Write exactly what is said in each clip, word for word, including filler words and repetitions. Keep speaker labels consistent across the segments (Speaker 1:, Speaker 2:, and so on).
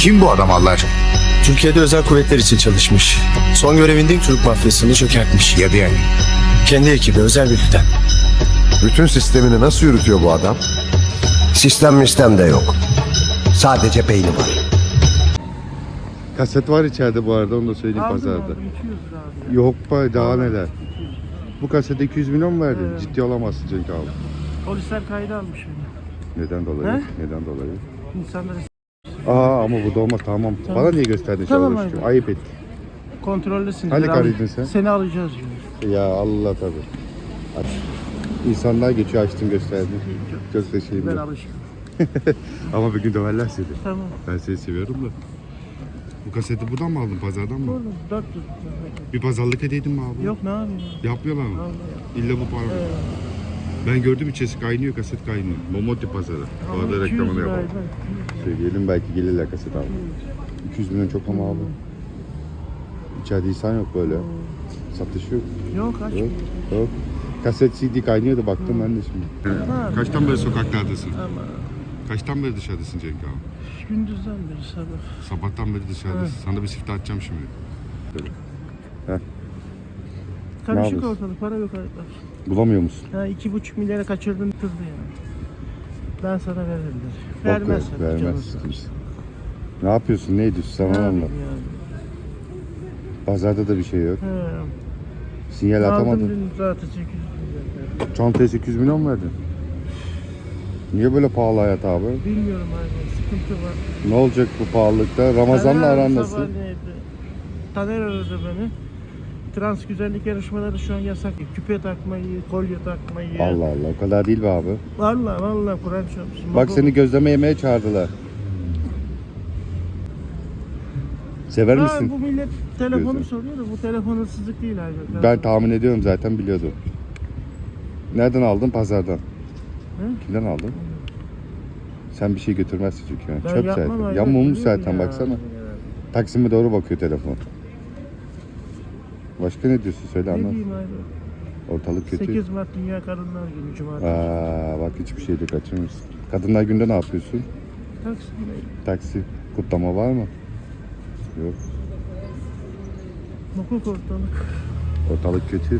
Speaker 1: Kim bu adam Allah aşkına?
Speaker 2: Türkiye'de özel kuvvetler için çalışmış. Son görevinde Türk mafyasını çökertmiş.
Speaker 1: Ya yani.
Speaker 2: Kendi ekibi özel birlikten.
Speaker 3: Bütün sistemini nasıl yürütüyor bu adam?
Speaker 4: Sistem mistem de yok. Sadece beyni var.
Speaker 5: Kaset var içeride bu arada, onu da söyleyeyim pazarda.
Speaker 6: iki yüz lira abi.
Speaker 5: Yok be, daha neler. Bu kasete iki yüz milyon mu verdin?
Speaker 6: Evet.
Speaker 5: Ciddi olamazsın Cenk abi.
Speaker 6: Polisler kayda almış beni.
Speaker 5: Neden dolayı?
Speaker 6: He?
Speaker 5: Neden dolayı?
Speaker 6: İnsanları
Speaker 5: Aa ama bu da olmaz, tamam.
Speaker 6: Tamam.
Speaker 5: Bana niye gösterdin
Speaker 6: Tamam,
Speaker 5: şu
Speaker 6: abi.
Speaker 5: Ayıp et.
Speaker 6: kontrollesin.
Speaker 5: Hani
Speaker 6: Al-
Speaker 5: karıydın sen?
Speaker 6: Seni alacağız diyor.
Speaker 5: Ya Allah tabii. Aç. İnsanlar geçiyor, açtın gösterdin. Çok da şeyim
Speaker 6: Ben
Speaker 5: yok.
Speaker 6: alışkın.
Speaker 5: Ama bir gün döverler seni.
Speaker 6: Tamam.
Speaker 5: Ben seni seviyorum da. Bu kaseti buradan mı aldın, pazardan mı?
Speaker 6: Oğlum dört yüz.
Speaker 5: Bir pazarlık edeydin mi abi?
Speaker 6: Yok ne yapayım ya?
Speaker 5: Yapmıyorlar mı?
Speaker 6: Vallahi.
Speaker 5: İlla bu para.
Speaker 6: Evet.
Speaker 5: Ben gördüm, içerisi kaynıyor, kaset kaynıyor. Momoti pazarı. Bu
Speaker 6: Ama
Speaker 5: arada
Speaker 6: iki yüz
Speaker 5: reklamını
Speaker 6: liraydı.
Speaker 5: yapalım. Söyleyelim, belki gelirler kaset abi. iki yüz milyon çok ama abi. İçeride insan yok böyle. Satış yok.
Speaker 6: Yok aç.
Speaker 5: Yok. Yok. Kaset C D kaynıyordu, baktım ben de şimdi.
Speaker 6: Ha.
Speaker 5: Kaçtan beri sokaklardasın?
Speaker 6: Ama
Speaker 5: Kaçtan beri dışarıdasın Cenk abi?
Speaker 6: gündüzden beri sabah.
Speaker 5: Sabahtan beri dışarıdasın. Sana bir siftah atacağım şimdi.
Speaker 6: Karışık
Speaker 5: yapıyorsun?
Speaker 6: ortalık, para yok arkadaş.
Speaker 5: Bulamıyor musun?
Speaker 6: Ha iki buçuk milyara kaçırdın kızdı yani. Ben sana veririm
Speaker 5: Bok
Speaker 6: der. Vermez
Speaker 5: ver,
Speaker 6: sana
Speaker 5: vermez.
Speaker 6: canınızı.
Speaker 5: kimse. Ne yapıyorsun? Ne ediyorsun? Sana
Speaker 6: Ne
Speaker 5: anlat.
Speaker 6: yapayım yani?
Speaker 5: Pazarda da bir şey yok.
Speaker 6: He.
Speaker 5: Sinyal
Speaker 6: Aldım
Speaker 5: atamadın.
Speaker 6: dün zaten sekiz yüz lira.
Speaker 5: Çantaya sekiz yüz milyon mu verdin? Niye böyle pahalı hayat abi?
Speaker 6: Bilmiyorum abi, sıkıntı var.
Speaker 5: Ne olacak bu pahalılıkta? Ramazan'la
Speaker 6: Taner
Speaker 5: aran
Speaker 6: abi
Speaker 5: nasıl?
Speaker 6: sabah neydi? Taner aradı beni. Trans güzellik yarışmaları şu an yasak. Küpe takmayı, kolye takmayı.
Speaker 5: Allah Allah, o kadar değil be abi.
Speaker 6: Vallahi vallahi Kur'an çarpsın.
Speaker 5: Bak seni gözleme yemeye çağırdılar. Sever
Speaker 6: Ha,
Speaker 5: misin?
Speaker 6: bu millet telefonu
Speaker 5: Gözlem.
Speaker 6: soruyor da bu telefon hırsızlık değil abi.
Speaker 5: Ben tahmin ediyorum, zaten biliyordum. Nereden aldın? Pazardan. Kimden aldın? Sen bir şey götürmezsin çünkü. Yani.
Speaker 6: Ben
Speaker 5: Çöp
Speaker 6: yapmam
Speaker 5: zaten.
Speaker 6: abi,
Speaker 5: Yamulmuş
Speaker 6: biliyorum
Speaker 5: zaten
Speaker 6: ya.
Speaker 5: baksana. Taksim'e doğru bakıyor telefon. Başka ne diyorsun, söyle
Speaker 6: Ne
Speaker 5: anlat.
Speaker 6: diyeyim abi?
Speaker 5: Ortalık kötü.
Speaker 6: sekiz Mart Dünya Kadınlar Günü Cumartesi.
Speaker 5: Aa, bak hiçbir şey de kaçırmışsın. Kadınlar Günü'nde ne yapıyorsun?
Speaker 6: Taksim'deyim.
Speaker 5: Taksi kutlama var mı? Yok.
Speaker 6: Hukuk ortalık.
Speaker 5: Ortalık kötü.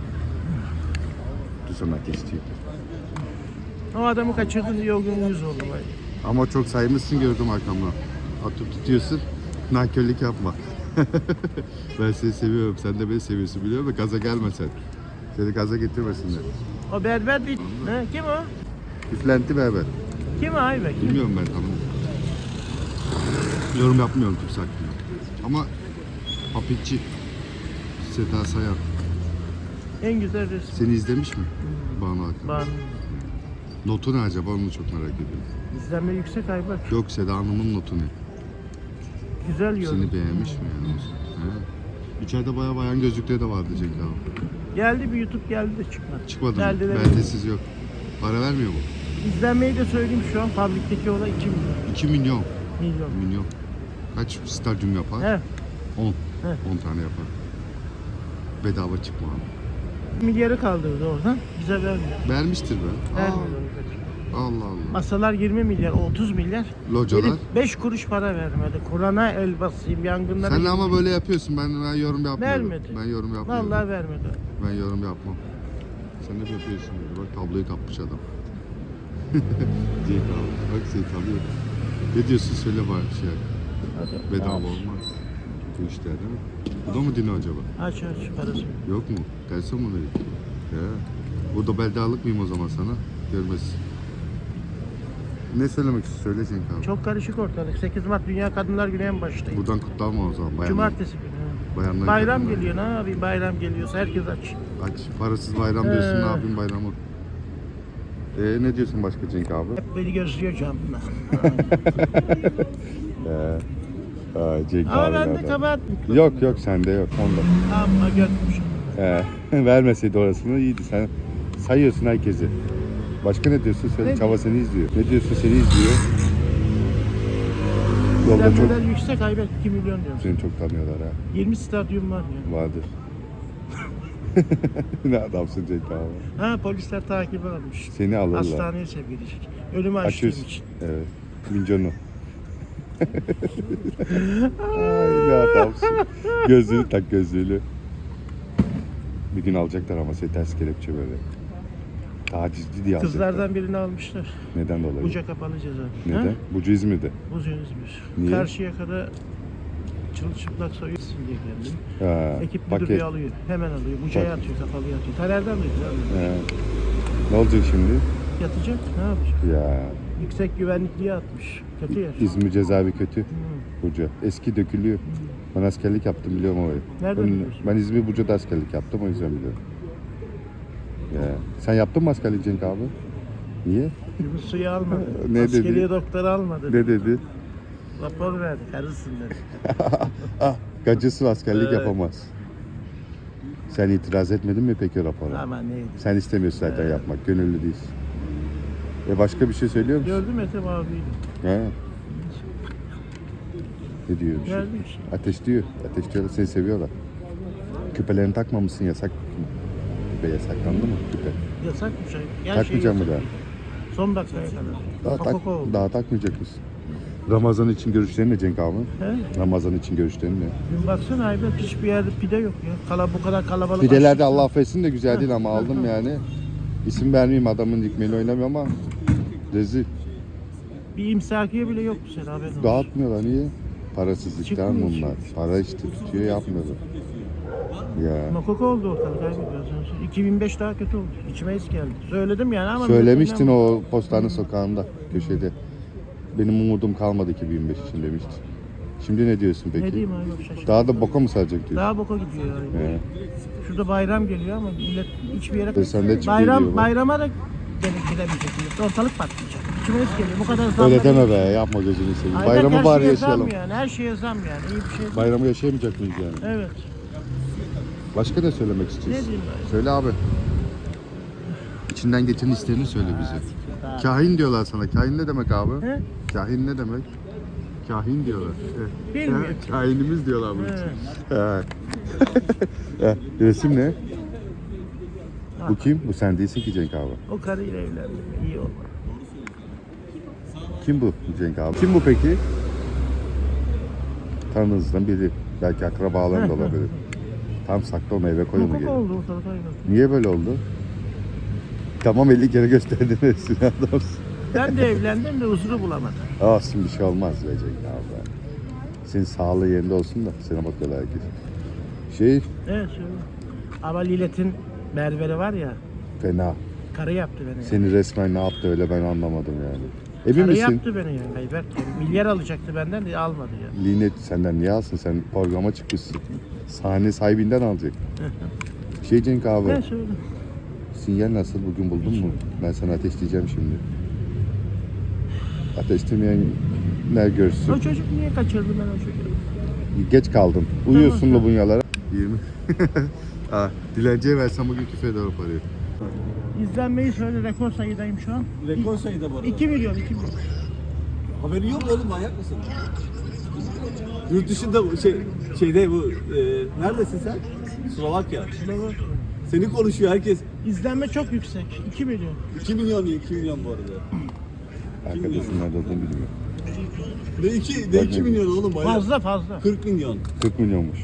Speaker 5: Du sana geçti.
Speaker 6: O adamı kaçırdın diye o gün yüz oldu. Vay.
Speaker 5: Ama çok saymışsın, gördüm arkamda. Atıp tutuyorsun. Nankörlük yapma. Ben seni seviyorum. Sen de beni seviyorsun, biliyor musun? Gaza gelme sen. Seni gaza getirmesinler.
Speaker 6: O berber değil. Ne? Kim o?
Speaker 5: Üflenti berber.
Speaker 6: Kim o Aybe? Kim?
Speaker 5: Bilmiyorum ben, tamam. Yorum yapmıyorum kimse hakkında. Ama Papikçi Seda Sayan
Speaker 6: En güzel resim.
Speaker 5: seni izlemiş mi? Banu Hakan.
Speaker 6: Ben
Speaker 5: Notu ne acaba, onu çok merak ediyorum.
Speaker 6: izlenme yüksek Aybe.
Speaker 5: Yok, Seda Hanım'ın notu ne?
Speaker 6: Güzel yorum.
Speaker 5: Seni beğenmiş mi yani? He? İçeride bayağı bayan gözlükleri de vardı Cenk abi.
Speaker 6: Geldi bir YouTube geldi de çıkmadı.
Speaker 5: Çıkmadı mı?
Speaker 6: Geldi de
Speaker 5: Beldesiz yok. Para vermiyor mu?
Speaker 6: İzlenmeyi de söyleyeyim şu an fabrikteki olay iki milyon.
Speaker 5: iki milyon.
Speaker 6: Milyon.
Speaker 5: Milyon. Kaç stadyum yapar?
Speaker 6: He.
Speaker 5: on.
Speaker 6: He.
Speaker 5: on tane yapar. Bedava çıkma abi.
Speaker 6: Milyarı kaldırdı oradan. Bize vermiyor.
Speaker 5: Vermiştir be.
Speaker 6: Vermiyor.
Speaker 5: Aa, Allah Allah.
Speaker 6: Masalar yirmi milyar, otuz milyar.
Speaker 5: Localar.
Speaker 6: beş kuruş para vermedi. Kur'an'a el basayım, yangınlara...
Speaker 5: Sen de ama böyle yapıyorsun. Ben ben yorum yapmıyorum.
Speaker 6: Vermedi.
Speaker 5: Ben yorum yapmıyorum.
Speaker 6: Vallahi vermedi.
Speaker 5: Ben yorum yapmam. Sen de yapıyorsun böyle. Bak tabloyu kapmış adam. Cenk abi. Bak seni tanıyor. Ne diyorsun, söyle bari bir şey.
Speaker 6: Hadi.
Speaker 5: Bedava
Speaker 6: Aç.
Speaker 5: olmaz. Bu işler değil mi? Bu da mı dini acaba?
Speaker 6: Aç aç parası.
Speaker 5: Yok mu? Tersi mi verir? Ya. Burada beldalık mıyım o zaman sana? Görmezsin. Ne söylemek istiyorsun? Söyle Cenk abi.
Speaker 6: Çok karışık ortalık. sekiz Mart Dünya Kadınlar Günü en baştayım.
Speaker 5: Buradan kutlanma o zaman. Bayanlar.
Speaker 6: Cumartesi günü. ha.
Speaker 5: Bayanlar
Speaker 6: Bayram
Speaker 5: kadınlar.
Speaker 6: geliyor, ne yapayım? Bayram geliyorsa herkes aç.
Speaker 5: Aç. Parasız bayram diyorsun.
Speaker 6: Ee.
Speaker 5: Ne yapayım bayramı? Ee, ne diyorsun başka Cenk abi?
Speaker 6: Hep beni gözlüyor camdan.
Speaker 5: Ee, aa, Cenk
Speaker 6: Ama
Speaker 5: abi
Speaker 6: bende
Speaker 5: nereden?
Speaker 6: kabahat mı?
Speaker 5: Yok yok, sende yok. Onda.
Speaker 6: Ama götmüşüm.
Speaker 5: Ee, vermeseydi orasını iyiydi. Sen sayıyorsun herkesi. Başka ne diyorsun? Söyle.
Speaker 6: Ne
Speaker 5: Çava seni izliyor. Ne diyorsun? Seni izliyor. Yolda çok
Speaker 6: İzlenmeler yüksek, Ayber iki milyon diyorum.
Speaker 5: seni çok tanıyorlar ha.
Speaker 6: yirmi stadyum var ya.
Speaker 5: Vardır. Ne adamsın Cenk abi.
Speaker 6: Ha, polisler takibi almış.
Speaker 5: Seni alırlar.
Speaker 6: Hastaneye sevk edecek. Ölümü açtığım
Speaker 5: Açıyorsun.
Speaker 6: için.
Speaker 5: Evet. Minconu. Ay ne adamsın. Gözlüğünü tak gözlüğünü. Bir gün alacaklar ama seni ters kelepçe böyle. Tacizci diye alacaklar.
Speaker 6: Kızlardan birini almışlar.
Speaker 5: Neden dolayı?
Speaker 6: Buca kapalı ceza.
Speaker 5: Neden?
Speaker 6: Ha?
Speaker 5: Bucu İzmir'de.
Speaker 6: Buca İzmir.
Speaker 5: Niye?
Speaker 6: Karşıyaka'da çırılçıplak soyuyorsun diye geldim.
Speaker 5: Ha,
Speaker 6: Ekip
Speaker 5: paket.
Speaker 6: müdürlüğü alıyor. Hemen alıyor. Buca'ya
Speaker 5: Bak.
Speaker 6: atıyor, kapalıya atıyor. Taner'den duydu abi.
Speaker 5: He. Ne olacak şimdi?
Speaker 6: Yatacak. Ne yapacak?
Speaker 5: Ya
Speaker 6: Yüksek güvenlikliğe atmış. Kötü yer.
Speaker 5: İzmir cezaevi kötü.
Speaker 6: Hı.
Speaker 5: Buca. Eski dökülüyor. Ben askerlik yaptım biliyorum orayı.
Speaker 6: Nereden
Speaker 5: ben,
Speaker 6: biliyorsun?
Speaker 5: ben İzmir Buca'da askerlik yaptım o yüzden biliyorum. Ya. Sen yaptın mı askerlik Cenk abi? Niye?
Speaker 6: Yunus suyu almadı.
Speaker 5: Ne dedi?
Speaker 6: Askeriye doktor almadı.
Speaker 5: Ne dedi?
Speaker 6: Rapor verdi. Karısın dedi.
Speaker 5: Ah, gacısı askerlik
Speaker 6: Evet.
Speaker 5: yapamaz. Sen itiraz etmedin mi peki rapora?
Speaker 6: Aman neydi?
Speaker 5: Sen istemiyorsun zaten yapmak, gönüllü değilsin. E başka bir şey söylüyor musun?
Speaker 6: Gördüm Ethem abiyi.
Speaker 5: He. Ne diyor bir şey?
Speaker 6: Geldi işte.
Speaker 5: Ateş diyor. Ateş diyorlar, seni seviyorlar. Küpelerini takmamışsın, yasak. Küpe yasaklandı mı küpe?
Speaker 6: Yasakmış. Her
Speaker 5: Takmayacak mı
Speaker 6: yasak.
Speaker 5: daha?
Speaker 6: Son dakikaya kadar.
Speaker 5: Daha, tak,
Speaker 6: Kokoko oldu.
Speaker 5: daha takmayacak mısın? Ramazan için görüşlerin ne Cenk abi?
Speaker 6: He?
Speaker 5: Ramazan için görüşlerin ne?
Speaker 6: Dün baksana Ayberk hiçbir yerde pide yok ya. Kala, bu kadar kalabalık.
Speaker 5: Pideler de
Speaker 6: açlıkta.
Speaker 5: Allah affetsin de güzel değil ama aldım yani. İsim vermeyeyim, adamın dikmeyle oynamıyor ama rezil.
Speaker 6: Bir imsakiye bile yok bu sene haberin olsun.
Speaker 5: Dağıtmıyorlar niye? Parasızlıktan
Speaker 6: Çıkmıyor,
Speaker 5: bunlar. Para işte tutuyor yapmıyorlar. Ya.
Speaker 6: Makoko oldu ortalık abi biraz önce. iki bin beş daha kötü oldu. İçime es geldi. Söyledim yani ama...
Speaker 5: Söylemiştin
Speaker 6: millet
Speaker 5: o postane sokağında köşede. Benim umudum kalmadı iki bin beş için demiştin. Şimdi ne diyorsun peki?
Speaker 6: Ne diyeyim abi yok şaşırdım.
Speaker 5: Daha da boka mı saracak diyorsun?
Speaker 6: Daha boka gidiyor yani.
Speaker 5: He.
Speaker 6: Şurada bayram geliyor ama millet hiçbir yere...
Speaker 5: Ve sen de çık
Speaker 6: bayram,
Speaker 5: geliyor bu.
Speaker 6: bayrama da gelip gidemeyecek millet. Ortalık patlayacak. İçime es geliyor. Bu kadar zam...
Speaker 5: Öyle deme be, yapma gözünü seveyim.
Speaker 6: Ayberk,
Speaker 5: Bayramı
Speaker 6: her
Speaker 5: bari
Speaker 6: şeye
Speaker 5: yaşayalım.
Speaker 6: Zam yani. Her şeye zam yani. İyi bir şey değil.
Speaker 5: Bayramı yaşayamayacak mıyız yani?
Speaker 6: Evet.
Speaker 5: Başka ne söylemek
Speaker 6: Ne
Speaker 5: istiyorsun?
Speaker 6: diyeyim ben?
Speaker 5: Söyle abi. İçinden geçen hislerini söyle bize. Kahin diyorlar sana. Kahin ne demek abi?
Speaker 6: He?
Speaker 5: Kahin ne demek? Kahin diyorlar. Eh,
Speaker 6: Bilmiyorum.
Speaker 5: eh, Kahinimiz diyorlar bunun için.
Speaker 6: Evet.
Speaker 5: He. Eh, resim ne? Bu kim? Bu sen değilsin ki Cenk abi.
Speaker 6: O karıyla evlendim. İyi olmadı.
Speaker 5: Kim bu Cenk abi? Kim bu peki? Tanınızdan biri. Belki akrabaların da olabilir. Tam sakla onu eve koy onu
Speaker 6: Makoko
Speaker 5: geri.
Speaker 6: oldu ortalık aynen.
Speaker 5: Niye böyle oldu? Tamam elli kere gösterdin hepsini adamsın.
Speaker 6: Ben de evlendim de huzuru bulamadım.
Speaker 5: Olsun bir şey olmaz be Cenk abi. Senin sağlığı yerinde olsun da sana bakıyorlar herkes. Şey
Speaker 6: Evet söyle. Ama Lilet'in berberi var ya,
Speaker 5: fena.
Speaker 6: karı yaptı beni.
Speaker 5: Seni resmen ne yaptı öyle ben anlamadım yani. Emin
Speaker 6: Karı
Speaker 5: misin?
Speaker 6: yaptı beni ya. Ayberk yani. Milyar alacaktı benden de almadı ya.
Speaker 5: Linet senden niye alsın? Sen programa çıkmışsın. Sahne sahibinden alacak. Şey Cenk abi.
Speaker 6: Ne söyle.
Speaker 5: Sinyal nasıl? Bugün buldun mu? Ben sana ateşleyeceğim şimdi. Ateşlemeyen ne görsün?
Speaker 6: O çocuk niye kaçırdı ben o çocuğu?
Speaker 5: Geç kaldım. Uyuyorsun
Speaker 6: Tamam,
Speaker 5: da bunyalara. yirmi. Ha, dilenciye versem bugün küfe eder o parayı.
Speaker 6: İzlenmeyi söyle, rekor sayıdayım şu an.
Speaker 1: Rekor sayıda bu arada.
Speaker 6: iki milyon, iki milyon.
Speaker 1: Haberin yok mu oğlum, manyak mısın? Yurt dışında bu şey şeyde bu e, neredesin sen? Slovakya. Seni konuşuyor herkes.
Speaker 6: İzlenme çok yüksek. iki milyon.
Speaker 1: iki milyon değil, iki milyon bu arada.
Speaker 5: Arkadaşın nerede olduğunu bilmiyorum.
Speaker 1: Ne iki, ne iki milyon oğlum manyak.
Speaker 6: Fazla fazla.
Speaker 1: kırk milyon.
Speaker 5: kırk milyonmuş.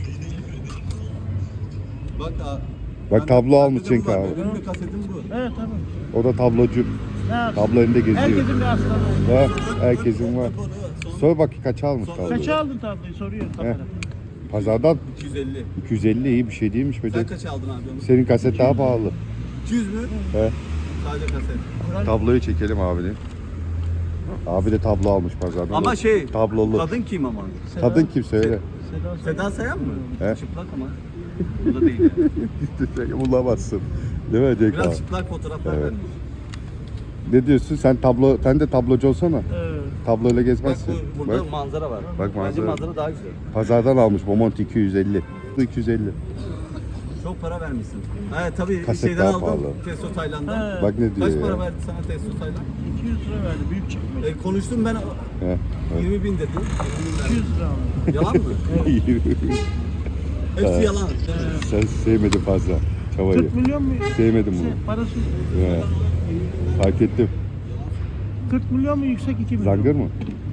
Speaker 1: Bak ha.
Speaker 5: Bak
Speaker 1: ben-
Speaker 5: tablo
Speaker 1: bende
Speaker 5: almış
Speaker 1: de
Speaker 5: Cenk
Speaker 1: bu var,
Speaker 5: abi.
Speaker 1: Benim de kasetim bu.
Speaker 6: Evet tamam.
Speaker 5: O da tablocu.
Speaker 6: Ne yapsın?
Speaker 5: Tablo elinde geziyor.
Speaker 6: Herkesin bir aslanı.
Speaker 5: Ha, herkesin var. Sor bak kaça almış tabloyu.
Speaker 6: Kaça aldın tabloyu soruyor kamera.
Speaker 5: Pazardan
Speaker 1: iki yüz elli.
Speaker 5: iki yüz elli iyi bir şey değilmiş be
Speaker 1: Sen
Speaker 5: Cenk.
Speaker 1: kaç aldın abi onu?
Speaker 5: Senin kaset daha pahalı.
Speaker 1: iki yüz mü?
Speaker 5: He.
Speaker 1: Sadece kaset.
Speaker 5: Tabloyu çekelim abinin. Abi de tablo almış pazardan.
Speaker 1: Ama şey,
Speaker 5: Tablolu.
Speaker 1: kadın kim ama?
Speaker 5: Kadın kim söyle.
Speaker 6: Seda
Speaker 1: Seda Sayan mı?
Speaker 5: He.
Speaker 1: Çıplak ama. Bu da değil. Yani.
Speaker 5: Bulamazsın. Değil mi Cenk abi?
Speaker 1: Biraz çıplak fotoğraflar
Speaker 5: Evet.
Speaker 1: vermiş.
Speaker 5: Ne diyorsun? Sen tablo, sen de tablocu olsana.
Speaker 6: Evet.
Speaker 5: Tabloyla
Speaker 1: Bak
Speaker 5: gezmezsin.
Speaker 1: bu, burada
Speaker 5: Bak,
Speaker 1: manzara var.
Speaker 5: Bak
Speaker 1: Bence
Speaker 5: manzara.
Speaker 1: manzara daha güzel.
Speaker 5: pazardan almış Momont iki yüz elli. Bu iki yüz elli.
Speaker 1: Çok para vermişsin. Evet tabii
Speaker 5: Kaset
Speaker 1: şeyden
Speaker 5: daha
Speaker 1: aldım.
Speaker 5: pahalı.
Speaker 1: Testo Tayland'dan.
Speaker 6: He.
Speaker 5: Bak ne diyor
Speaker 1: Kaç
Speaker 5: ya.
Speaker 1: para verdi sana Testo Tayland?
Speaker 6: iki yüz lira verdi. Büyük çekmece.
Speaker 1: E, konuştum ben
Speaker 5: He.
Speaker 1: yirmi bin dedim.
Speaker 6: iki yüz lira aldı.
Speaker 1: Yalan mı? Hepsi yalan.
Speaker 5: Sen sevmedin fazla çavayı.
Speaker 6: kırk milyon mu?
Speaker 5: Sevmedim bunu.
Speaker 6: Yüksek, Parası
Speaker 5: He. Fark ettim.
Speaker 6: kırk milyon mu yüksek iki milyon?
Speaker 5: Zangır mı?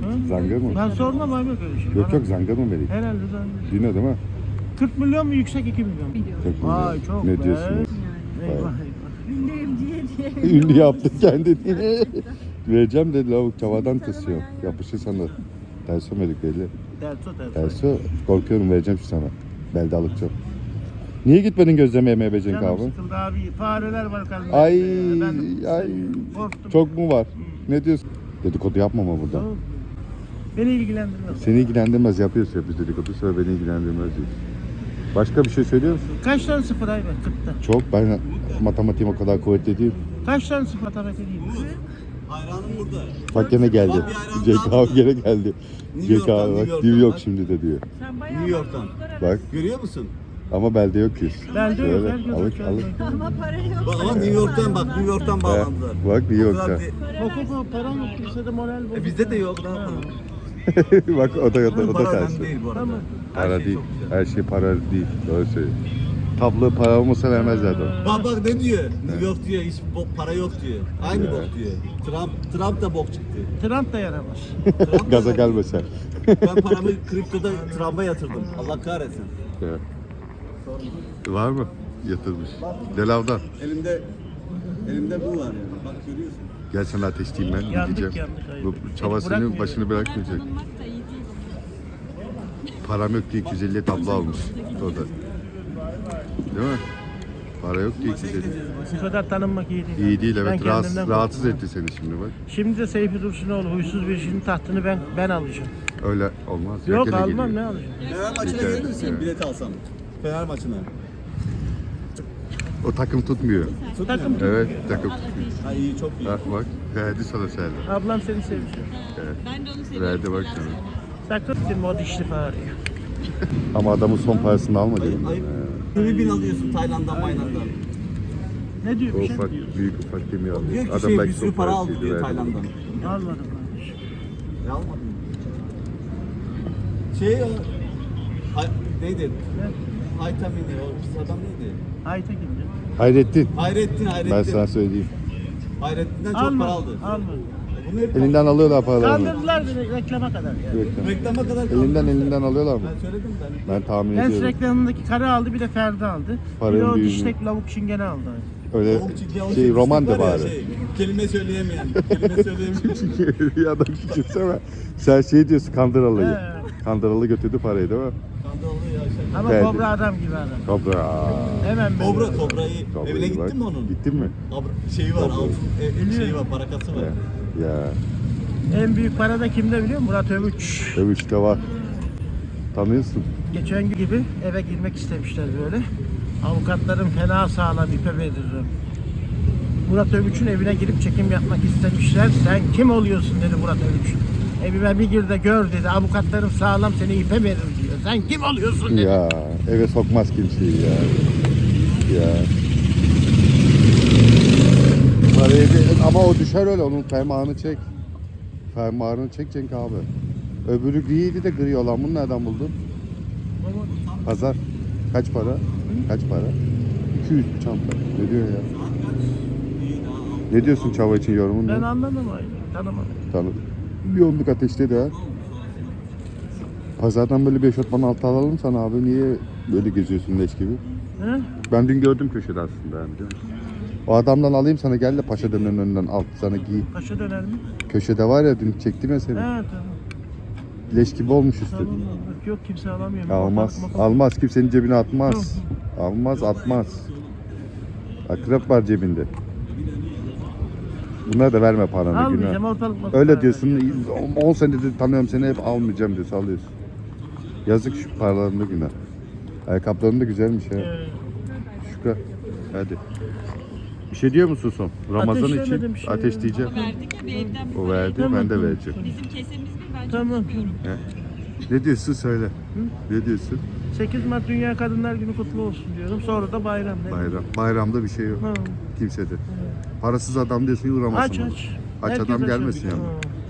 Speaker 5: Zanga mı?
Speaker 6: Ben sormam abi öyle şey.
Speaker 5: Yok
Speaker 6: Bana-
Speaker 5: yok zanga mı vereyim?
Speaker 6: Herhalde zannediyorum.
Speaker 5: Dino değil mi?
Speaker 6: kırk milyon mu yüksek iki milyon?
Speaker 5: Çok mu?
Speaker 6: Vay çok
Speaker 5: Ne
Speaker 6: be.
Speaker 5: diyorsunuz?
Speaker 6: Eyvah eyvah.
Speaker 7: Ünlüyüm diye diye.
Speaker 5: Ünlü yaptı kendini. Vereceğim dedi lavuk çavadan tırsıyor. Yapışır sana. Terso medik belli.
Speaker 6: Terso terso.
Speaker 5: Terso korkuyorum vereceğim şu sana. Belde alıkçı. Niye gitmedin gözleme yemeye be Cenk
Speaker 6: Canım
Speaker 5: abi?
Speaker 6: sıkıldı abi. Fareler var kalbimde.
Speaker 5: Ay
Speaker 6: Ben
Speaker 5: ay
Speaker 6: korktum.
Speaker 5: çok mu var? Ne diyorsun? Dedikodu yapma ama burada.
Speaker 6: Tamam. Beni ilgilendirmez.
Speaker 5: Seni ilgilendirmez yapıyorsun ya biz dedikodu sonra beni ilgilendirmez diyorsun. Başka bir şey söylüyor musun?
Speaker 6: Kaç tane sıfır ay var? kırkta.
Speaker 5: Çok ben matematiğim o kadar kuvvetli değil.
Speaker 6: Kaç tane sıfır matematik değil?
Speaker 1: Hayranım burada.
Speaker 5: Bak gene geldi.
Speaker 1: Bak bir ayran
Speaker 5: Cenk
Speaker 1: daha
Speaker 5: abi gene geldi.
Speaker 1: New
Speaker 5: Cenk
Speaker 1: York'tan,
Speaker 5: abi bak
Speaker 1: New
Speaker 5: New
Speaker 1: York'tan
Speaker 5: York
Speaker 1: bak.
Speaker 5: şimdi de diyor.
Speaker 7: Sen bayağı
Speaker 1: New York'tan.
Speaker 5: Bak
Speaker 1: Görüyor musun?
Speaker 5: ama belde yok yüz.
Speaker 6: Belde yok.
Speaker 5: Şöyle,
Speaker 6: Herkes
Speaker 5: alık,
Speaker 6: yok.
Speaker 5: alık.
Speaker 7: ama para yok.
Speaker 1: Bak ama New York'tan bak, New York'tan bağlandılar.
Speaker 5: Bak New
Speaker 1: O
Speaker 5: York'ta.
Speaker 1: kadar de-
Speaker 6: Yok yok param yok. Kimse de moral bozuk.
Speaker 1: E bizde de yok, ne yapalım?
Speaker 5: Bak o da o da, o da
Speaker 1: Para
Speaker 5: ters.
Speaker 1: önemli değil bu arada.
Speaker 6: Tamam.
Speaker 1: Her
Speaker 5: Para
Speaker 1: şey
Speaker 5: değil.
Speaker 1: çok güzel.
Speaker 5: Her şey para değil. Doğru söylüyor. Tablo para olmasa vermezlerdi onu.
Speaker 1: Bak bak ne diyor? New York diyor, hiç bo- para yok diyor. Aynı bok diyor. Trump Trump da bok çıktı.
Speaker 6: Trump da yaramaz.
Speaker 1: Trump da-
Speaker 5: Gaza gelme sen.
Speaker 1: Ben paramı kriptoda Trump'a yatırdım. Allah kahretsin.
Speaker 5: Evet. Var mı? Yatırmış. Delavdan.
Speaker 1: Elimde elimde bu var yani. Bak görüyorsun.
Speaker 5: Gel sana ateşleyeyim ben.
Speaker 6: Yandık,
Speaker 5: Gideceğim.
Speaker 6: yandık, hayır.
Speaker 5: Bu çava senin
Speaker 6: Bırakmıyor.
Speaker 5: başını bırakmayacak.
Speaker 7: Tanınmak da iyi değil.
Speaker 5: Param yok diye iki yüz elli tablo almış. O da. Değil mi? Para yok diye iki yüz elli.
Speaker 6: Bu kadar tanınmak iyi değil.
Speaker 5: İyi değil
Speaker 6: Ben
Speaker 5: evet. Rahatsız,
Speaker 6: kendimden
Speaker 5: rahatsız
Speaker 6: korkuyorum.
Speaker 5: etti seni şimdi bak.
Speaker 6: Şimdi de Seyfi Dursunoğlu huysuz bir işin tahtını ben ben alacağım.
Speaker 5: Öyle olmaz.
Speaker 6: Yok
Speaker 5: Gene
Speaker 6: almam
Speaker 5: geliyor.
Speaker 6: ne alacağım?
Speaker 1: Fener maçına
Speaker 5: Yeter.
Speaker 1: gelir misin?
Speaker 5: Evet.
Speaker 1: Bilet alsam. Fener maçına.
Speaker 5: O takım tutmuyor.
Speaker 6: Takım
Speaker 5: Evet takım.
Speaker 1: Ha iyi çok iyi.
Speaker 5: Ha, bak verdi sana Serdar.
Speaker 6: Ablam seni seviyor.
Speaker 7: Ben de onu seviyorum.
Speaker 5: Verdi bak sana.
Speaker 6: Sakın bitirme o dişli fareyi.
Speaker 5: Ama adamın son parasını alma
Speaker 1: Ayıp
Speaker 5: dedim.
Speaker 1: ayıp. yirmi bin alıyorsun Tayland'dan Mayland'dan.
Speaker 6: Ne diyor
Speaker 5: O
Speaker 6: bir şey
Speaker 5: ufak,
Speaker 6: mi diyor?
Speaker 5: büyük ufak demiyor.
Speaker 1: Diyor ki
Speaker 5: Adam
Speaker 1: şey bir
Speaker 5: belki
Speaker 1: sürü
Speaker 5: son
Speaker 1: para aldı
Speaker 5: parasıydı,
Speaker 1: diyor
Speaker 5: verdi.
Speaker 1: Tayland'dan.
Speaker 6: Almadım kardeşim.
Speaker 1: Ne almadın mı? Şey o... Hay, neydi? Haytamini o pis adam neydi?
Speaker 6: Ayta kimdi?
Speaker 5: Hayrettin.
Speaker 1: Hayrettin Hayrettin.
Speaker 5: Ben sana söyleyeyim.
Speaker 1: Hayrettin'den çok para
Speaker 6: Almadım.
Speaker 1: aldı.
Speaker 6: Almadım.
Speaker 1: Bunu hep
Speaker 5: Elinden alıyorlar paralarını.
Speaker 6: Kandırdılar beni reklama kadar yani.
Speaker 5: Reklam.
Speaker 1: reklama kadar kaldı.
Speaker 5: Elinden elinden alıyorlar mı?
Speaker 1: Ben söyledim ben.
Speaker 5: Ben tahmin
Speaker 6: Lens
Speaker 5: ediyorum.
Speaker 6: reklamındaki karı aldı bir de Ferdi aldı. Bir de
Speaker 5: Paranın
Speaker 6: o
Speaker 5: büyüğünü.
Speaker 6: diştek lavuk çingene aldı.
Speaker 5: Öyle
Speaker 1: Tavuk çiğ- o
Speaker 5: şey roman
Speaker 1: var
Speaker 5: da
Speaker 1: ya,
Speaker 5: bari.
Speaker 1: Şey, kelime söyleyemeyen. Kelime söyleyemeyen.
Speaker 5: Ya da küçülsene. Sen şey diyorsun Kandıralı'yı.
Speaker 6: He.
Speaker 5: Kandıralı götürdü parayı değil mi?
Speaker 1: Kandalı ya şey.
Speaker 6: Ama
Speaker 5: Ferdi.
Speaker 6: kobra adam gibi adam.
Speaker 5: Kobra.
Speaker 6: Hemen böyle.
Speaker 1: Kobra Kobra'yı
Speaker 5: Kobra'yı
Speaker 1: evine
Speaker 5: bak.
Speaker 1: gittin mi onun?
Speaker 5: Gittin mi?
Speaker 1: Abra, şeyi var
Speaker 5: Kobra.
Speaker 1: altın e, şeyi var parakası var.
Speaker 5: Ya. Ya.
Speaker 6: En büyük para da kimde biliyor musun? Murat Övüç.
Speaker 5: Övüşte var. Tanıyorsun.
Speaker 6: Geçen gün gibi eve girmek istemişler böyle. Avukatlarım fena sağlam ipe veririm. Murat Övüç'ün evine girip çekim yapmak istemişler. Sen kim oluyorsun dedi Murat Övüç. Evime bir gir de gör dedi. Avukatlarım sağlam seni ipe verir diyor. Sen kim oluyorsun dedi.
Speaker 5: Ya eve sokmaz kimseyi ya. Ya. Parayı bir- ama o düşer öyle onun fermuarını çek. Fermuarını çek Cenk abi. Öbürü griydi de gri olan bunu nereden buldun? Pazar. Kaç para? Kaç para? iki yüz bir çanta. Ne diyor ya? Ne diyorsun çava için yorumun
Speaker 6: Ben
Speaker 5: ne?
Speaker 6: anlamadım aynı. Tanımadım.
Speaker 5: Tanıdım. Bir onluk ateşteydi ha. Pazardan böyle bir eşofman altı alalım sana abi. Niye böyle geziyorsun leş gibi?
Speaker 6: He?
Speaker 5: Ben dün gördüm köşede aslında yani biliyor musun? O adamdan alayım sana gel de Paşa dönerin önünden al sana giy.
Speaker 6: Paşa döner mi?
Speaker 5: Köşede var ya dün çektim ya seni.
Speaker 6: He tamam.
Speaker 5: Leş gibi olmuş üstü.
Speaker 6: Tamam. Yok, yok kimse alamıyor.
Speaker 5: Almaz.
Speaker 6: Bak, bak, bak.
Speaker 5: Almaz. Kimsenin cebine atmaz. Almaz atmaz. Akrep var cebinde. Bunlara da verme paranı
Speaker 6: Almayacağım
Speaker 5: günah.
Speaker 6: ortalık masada.
Speaker 5: Öyle diyorsun. on senedir tanıyorum seni hep almayacağım diyorsun alıyorsun. Yazık şu paralarında günah. Ayakkabıların da güzelmiş ha.
Speaker 6: Ee,
Speaker 5: Şükran. Hadi. Bir şey diyor musun son? Ramazan
Speaker 6: Ateşlemedim
Speaker 5: için
Speaker 6: şey.
Speaker 5: ateşleyeceğim.
Speaker 7: Verdik ya bir evden bir
Speaker 5: O
Speaker 7: para.
Speaker 5: verdi
Speaker 6: Tamam,
Speaker 5: ben de
Speaker 6: tamam.
Speaker 5: vereceğim.
Speaker 7: Bizim kesemiz bir ben
Speaker 6: Tamam.
Speaker 7: çalışmıyorum.
Speaker 5: Ne diyorsun söyle. Ne diyorsun?
Speaker 6: sekiz Mart Dünya Kadınlar Günü kutlu olsun diyorum. Sonra da bayram. Ne?
Speaker 5: Bayram. Bayramda bir şey yok.
Speaker 6: Ha.
Speaker 5: Kimsede. Parasız adam diyorsun uğramasın.
Speaker 6: Aç aç.
Speaker 5: Aç
Speaker 6: Herkes
Speaker 5: adam
Speaker 6: açar.
Speaker 5: gelmesin yani.
Speaker 6: Ha.